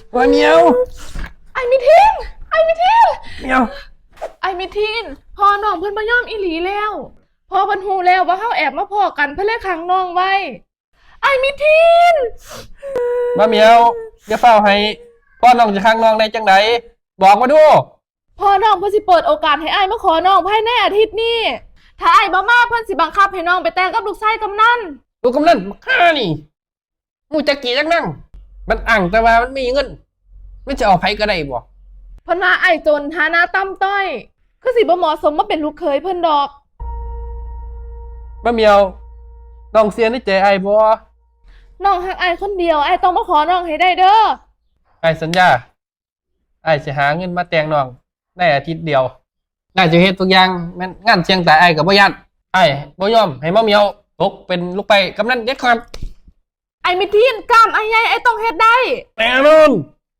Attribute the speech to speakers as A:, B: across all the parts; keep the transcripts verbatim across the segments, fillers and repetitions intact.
A: ว่าเมียว
B: ไอ้มิทินไอ้มิทิน
A: เมียว
B: ไอ้มิทินพอน้องเพิ่นบ่ยอมอีหลีแล้วพอเพิ่นฮู้แล้วว่าเฮาแอบมาพ้อกันเพิ่นเลยขังน้องไว้ไอ้มิทิน
A: ว่าเมียวอย่าเฝ้าให้พ่อน้องจะข้างน้องในจังไดบอกมาดู
B: พอน้องเพิ่นสิเปิดโอกาสให้อ้ายมาขอน้องภายในอาทิตย์นี้ถ้าอ้ายบ่มาเพิ่นสิบังคับให้น้องไปแต่งกับลูกชายกำนัน
A: ลูกกำนันข้านี่มูจะกี่จังนั่งมันอ่างแต่ว่ามันมีเงินไม่จะเอาไผก็ได้บ่
B: เพิ่นว่าอ้ายจนฐานะต่ำต้อยคือสิบ่เหมาะสมมาเป็นลูกเขยเพิ่นดอก
A: ว่าเมียวน้องเสียในใจไอ้บ่
B: น้องฮักอ้ายคนเดียวอ้ายต้องมาขอน้องให้ได้เด้อ
A: ไอ้สัญญาไอ้จะหาเงินมาแต่งน้องในอาทิตย์เดียวน่าจะเฮ็ดทุกอย่างแม่นงานเชียงแต่ไอ้กับบ่ยันไอ้บ่ยอมให้มาเมียวตกเป็นลูกไปกำนันเด็ดขาด
B: ไอ้มิทีนกล้ามไอ้ใหญ่ไอ้ต้องเฮ็ดได้
A: แน่นอน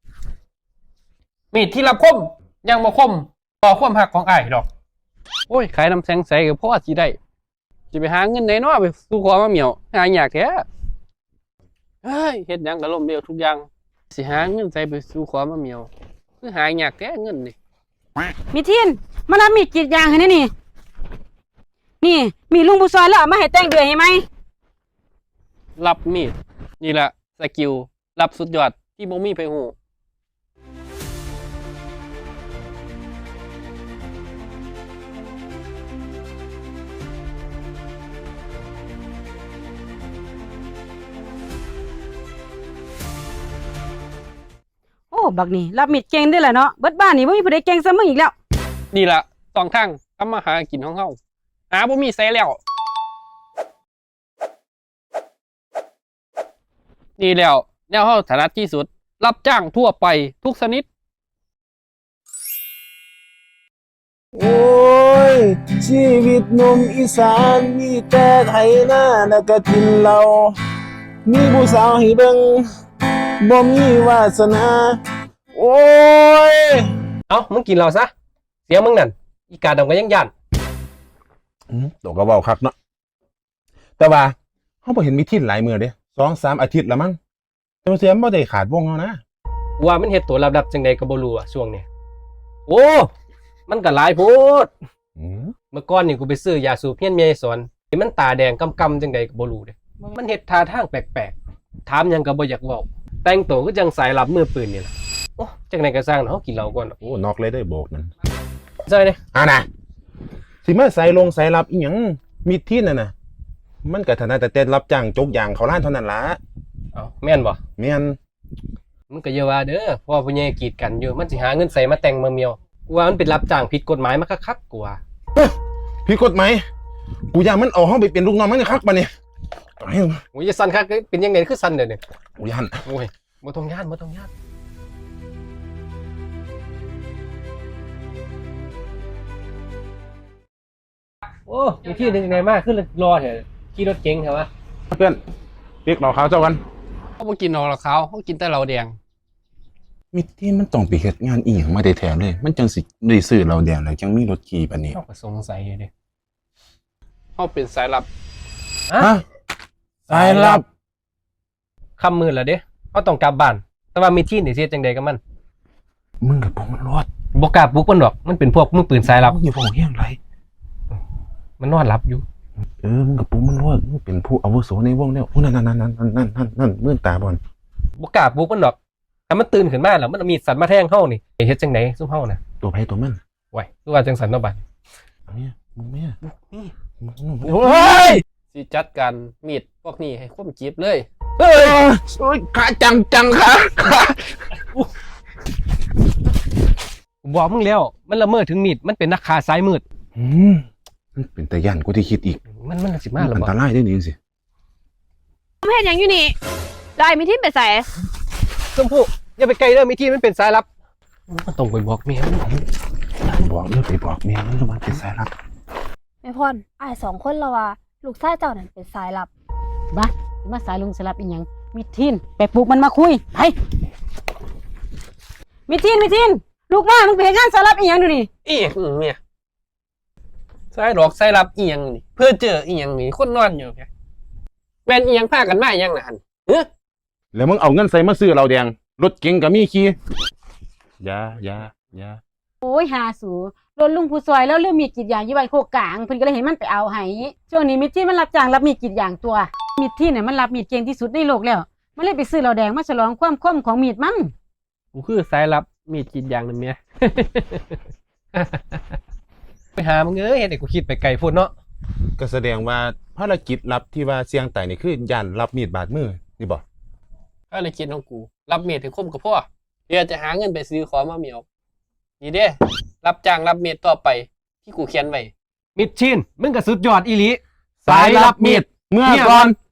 A: มีที่รับคมยังบ่คมต่อความหักของไอ้ดอกโอ้ยขายน้ำแสงใสก็พอสิได้จะไปหาเงินไหนเนาะไปสู่ขอมาเมียวหายากแท้เฮ้ยเฮ็ดหยังก็ล้มเหลวทุกอย่างสิหาเงินใส่ไปสู่ขอมาเมียวคือหายากแท้เงินนี่
C: มิทินมารับมีดกรีดยางให้นี่นี่นี่มีลุงบุซอยแล้วเอามาให้แต่งเดือยให้ไหม
A: รับมีดนี่แหละสกิลรับสุดยอดที่บ่มีไผฮู้
C: โอ้บักนี่รับมีดเก่งได้แหละเนาะเบิดบ้านนี่บ่มีผู้ใดเก่งซะมึงอีกแล้ว
A: นี่ล่ะสองทางทำมาหากินของเฮาหาบ่มีไสแล้วนี่แล้วแนวเฮาถนัดที่สุดรับจ้างทั่วไปทุกชนิด
D: โอ้ยชีวิตหนุ่มอีสานมีแต่ไถนาแล้วก็กินเหล้ามีผู้สาวให้เบิ่งบ่มีวาสนาโอ้ย
A: เอ้ามึงกินเหล้าซะเสียมึงนั่นอีกาดำก็ยังย่าน
D: อือตกก็เว้าคักเนาะแต่ว่าเฮาบ่เห็นมีทินหลายมื้อเด้ สองสาม อาทิตย์แล้วมั้งแต่ว่าเสียบ่ได้ขาดวงเฮานะ
A: ว่ามันเฮ็ดตัวลับๆจังได๋ก็บ่รู้อ่ะช่วงนี้โอ้มันก็หลายโพดอือเมื่อก่อนนี่กูไปซื้อยาสูบเฮียนเมียสอนที่มันตาแดงกำๆจังได๋ก็บ่รู้เด้มันเฮ็ดท่าทางแปลกๆถามหยังก็บ่อยากเว้าแต่งตัวคือจังสายลับมือปืนนี่ล่ะโอ้จังได๋ก็สร้างเนาะกินเหล้าก่อน
D: โอ้นอกเลยได้โบกนั่น
A: ใช่เด้
D: อ่าน่ะสิมาใส่ลงใส่ลับอีหยังมีทินน่ะน่ะมันก็ถนัดแต่รับจ้างจกยางเขาร้านเท่านั้นล่ะ
A: เอ้าแม่นบ่
D: แม่น
A: มึงก็อย่าว่าเด้อเพราะว่าผู้ใหญ่กีดกันอยู่มันสิหาเงินใส่มาแต่งมาเมียวกูว่ามันเป็นรับจ้างผิดกฎหมายมาคักๆกูว่า
D: ผิดกฎหมายกูย่านมันเอาเฮาไปเป็นลูกน้องมันคักปะเนี่ย
A: โอ้ยจะสั่นคักเป็นยังไงคือสั่นเด้อนี่
D: กูย่าน
A: โอ้ยบ่ต้องย่านบ่ต้องย่านโอ้มีที่นึงไหนมากขึ้นรอเถอะขี่รถเก๋งเถอะวะ
D: เพื่อนเรียกเราขาวเจ้ากัน
A: เขาบ่กินเหล้าขาวเขากินแต่เหล้าแดง
D: มิที่มันต้องไปเฮ็ดงานอีหยังมาได้แท้เลยมันจังสิได้ซื้อเหล้าแดงแล้วจังมีรถขี่ปานนี้
A: เฮาก็สงสัยเด้เฮาเป็นสายลับ
D: ฮะสายลับ
A: ค่ำมืดแล้วเด้เฮาต้องกลับบ้านแต่ว่ามีที่นี่สิเฮ็ดจังได๋กับมัน
D: มึงกับผมมันรอด
A: บ่กล้าปลุกมันดอกมันเป็นพวกมือปืนสายลับ
D: อย่าบอกเฮียงไร
A: มันนอนหลับอยู่
D: เออมึงกับปุ๊มันรอดมึงเป็นผู้อาวุโสในวงแล้วโอ้นั่นนั่นนั่นนั่นนั่นนั่นนั่นมื่นตาบอล
A: บ่กล้าปลุกมันดอกถ้ามันตื่นขึ้นมาแล้วมันมีสัตว์มาแทงเฮานี่เฮ็ดจังได๋ซุมเฮาน่ะ
D: ตัวไผตัวมัน
A: ไว้คือว่าจังสันเนาะบัด
D: เนี่ยมึงแม่
A: นี่โอ้ยสิจัดการมีดพวกนี้ให้คมจีบเลย
D: เฮ้ยโอ้ยขาจังจังขา
A: บอกมึงแล้วมันละเมิดถึงมีดมันเป็นนักฆ่าสายมืด
D: อืมมันเป็นตาย่านกูที่คิดอีก
A: มันมันสิมาแล้ว
D: บ่อันตรายได้นี่จังซี่
C: มึงเฮ็ดหยังอยู่นี่แล้วไอ้มิทินไปไส
A: ชมพู่อย่าไปไกลเด้อมิทินมันเป็นสายลับมันต้องไปบอกเมียมัน
D: บอกเด้อไปบอกเมียมันว่าเป็นสายลับ
E: แม่พรอ้ายสองคนละว่าลูกชายเจ้านั่นเป็นสายลับ
C: บ้าสิมาสายลุงสลับอีหยังมิทินไปปลุกมันมาคุยไปมิทินมิทินลูกมามึงไปเฮ็ดงานสลับอีหยังดูนี่
A: อีหยังเมียสายหลอกสายลับอีหยังนี่เพื่อเจออีหยังนี่คนนอนอยู่แกแม่นอีหยังพากันมาอีหยังน่ะหั่นเฮ้อ
D: แล้วมึงเอาเงินใส่มาซื้อเหล้าแดงรถเก๋งก็มีขี่อย่าอย่าอย่า
C: โอ้ยหาสูรถลุงผู้ซอยแล้วเรื่องมีดกรีดยางอยู่บ้านโคกกลางเพิ่นก็เลยให้มันไปเอาให้ช่วงนี้มิตรที่มันรับจ้างรับมีดกรีดยางตัวมิตรที่เนี่ยมันรับมีดเก่งที่สุดในโลกแล้วมันเลยไปซื้อเหล้าแดงมาฉลองความคมของมีดมัน
A: กูคือสายลับมีดกรีดยางนั่นเมีย ไปหามึงเอ้ยเห็นไอ้กูคิดไปไกลพุ่นเนาะ
D: ก็แสดงว่าภารกิจลับที่ว่าเสี่ยงตายนี่คือย่านรับมีดบาดมือนี่บ่
F: ก็เลยคิดของกู รับเมียถึงคมกับพ่อเดี๋ยวจะหาเงินไปซื้อของมาเหมียวนี่เด้รับจ้างรับเมียต่อไปที่กูเขียนไว้
A: มิดชินมึงก็สุดยอดอีหลี
D: สายรับมีดเมื่อก่อน